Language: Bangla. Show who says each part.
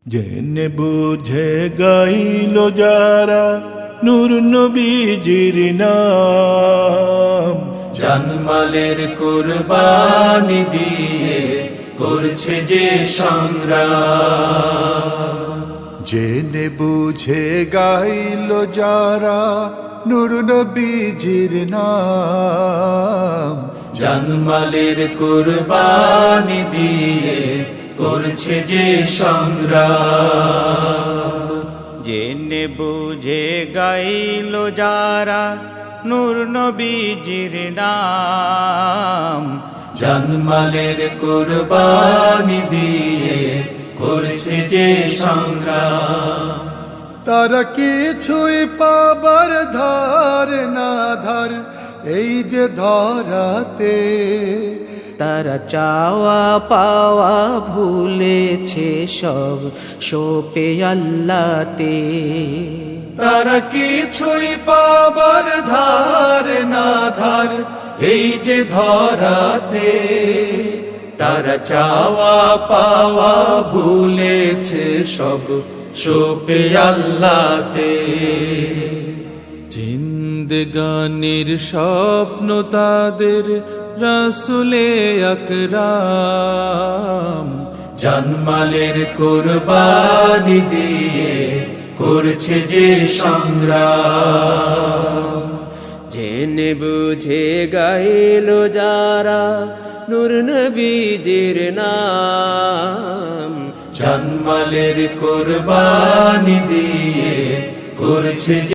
Speaker 1: জেনে বুঝে গাইল যারা নূর নবীজির নাম,
Speaker 2: জানমালের কুরবানি দিয়ে করছে যে সংগ্রাম।
Speaker 3: জেনে বুঝে গাইল যারা নূর নবীজির নাম,
Speaker 2: জানমালের কুরবানি দিয়ে করছে যে সংগ্রাম।
Speaker 4: জেনে বুঝে গাইল যারা নূর নবীজির নাম,
Speaker 2: জানমালের কুরবানি দিয়ে করছে যে সংগ্রাম।
Speaker 3: তারা কিছুই পাবার ধার না ধার এই যে ধরাতে,
Speaker 5: তারা চাওয়া পাওয়া ভুলেছে সব সোপে আল্লাহতে।
Speaker 2: তারা কিছুই পাবার ধার না ধার এই যে ধরাতে, তারা চাওয়া পাওয়া ভুলেছে সব সোপে আল্লাহতে।
Speaker 6: জিন্দেগানির স্বপ্ন তাদের রাসূলে আকরাম,
Speaker 2: জানমালের কুরবানি দিয়ে করছে যে সংগ্রাম।
Speaker 5: জেনে বুঝে গাইল যারা নূর নবীজির নাম,
Speaker 2: জানমালের কুরবানি দিয়ে করছে